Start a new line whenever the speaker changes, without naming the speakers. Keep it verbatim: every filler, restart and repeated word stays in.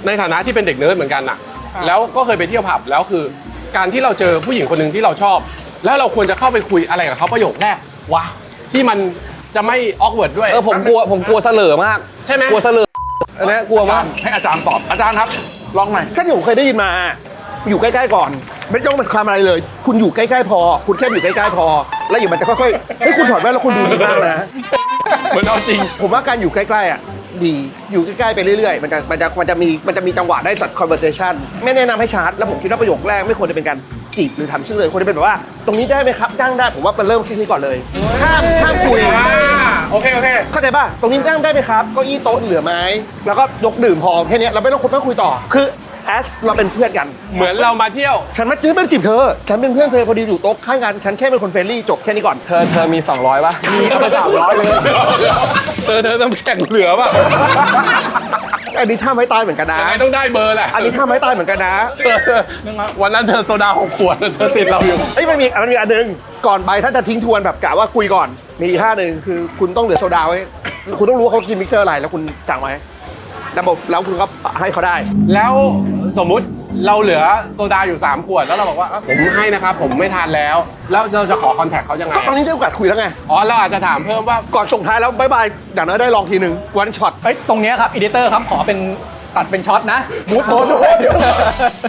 ในฐานะที่เป็นเด็กเนิร์ดเหมือนกันน่ะแล้วก็เคยไปเที่ยวผับแล้วคือ การที่เราเจอผู้หญิงคนหนึ่งที่เราชอบ แล้วเราควรจะเข้าไปคุยอะไรกับเขาประโยคแรกวะที่มันจะไม่ออกเวิร์ดด้วย
เออผมกลัวผมกลัวเสลอมาก
ใช่ไหม
กลัวเสลออันนี้กลัวมาก
ให้อาจารย์ตอบอาจารย์ครับลองหน่อย
ก็ที่ผมเคยได้ยินมาอยู่ใกล้ๆก่อนไม่ต้องมาทำอะไรเลย คุณอยู่ใกล้ๆพอ คุณแค่อยู่ใกล้ๆพอ แล้วอยู่มันจะค่อยๆเฮ้ยคุณถอดแว่นแล้วคุณดูดีมากนะ
เหมือนเอาจริง
ผมว่าการอยู่ใกล้ๆอ่ะดีอยู่ใกล้ๆไปเรื่อยๆมันจะมันจะมันจะมีมันจะมีจังหวะได้จัด conversation ไม่แนะนำให้ชาร์จแล้วผมคิดว่าประโยคแรกไม่ควรจะเป็นการจีบหรือทำชื่อเลยควรจะเป็นแบบว่า ตรงนี้ได้ไหมครับนั่งได้ผมว่ามันเริ่มแค่นี้ก่อนเลยห้ามห้ามคุย
อ่าโอเคโอเค
เข้าใจป่ะ ตรงนี้นั่งได้ไหมครับเก้าอี้โต๊ะเหลือไหมแล้วก็ยกดื่มพอแค่นี้เราไม่ต้องคุยไม่ต้องคุยต่อ คือแอสเราเป็นเพื่อนกัน
เหมือนเรามาเที่ยว
ฉันไม่ไม่ได้จีบเธอ ฉันเป็นเพื่อนเธอพอดีอยู่โต๊ะข้างกัน ฉันแค่เป็นคนเฟรนลี่จบแค่นี้ก่อน
เธอเธอมีสองร้อยป่ะ
มีเอาไปสามร้อยเลยเธอเธอต้องแข่งเหลือป่ะ
อันนี้ท่าไม้ตายเหมือนกันนะ
ยังไงต้องได้เบอร์แหละ
อันนี้ท่าไม้ตายเหมือนกันนะ
เธอเธอวันนั้นเธอโซดาหกขวดเธอติดเราอยู่
เอ้ยมันมีมันมีอันหนึง ก่อนไปถ้าจะทิ้งทวนแบบกะว่าคุยก่อน มีอีกท่าหนึ่งคือคุณต้องเหลือโซดาไว้ คุณต้องรู้ว่าเขากินมิกเซอร์อะไรแล้วคุณสั่งไว้ระบบแล้วคุณก็ให้เขาได้
แล้วสมมุติเราเหลือโซดาอยู่สามขวดแล้วเราบอกว่าเอ้าผมให้นะครับผมไม่ทานแล้ว แล้วเราจะขอคอนแทคเขายังไง
ก็ตอนนี้ได้โอกาสคุยแล้วไง
อ๋อเราอาจจะถามเพิ่มว่า
ก่อนส่งท้ายแล้วบายบายอย่างน้อยได้ลองทีหนึ่งวันช็อต
เอ้ยตรงเนี้ยครับอีดิเตอร์ครับขอเป็นตัดเป็นช็อตนะบูทโบทด้วย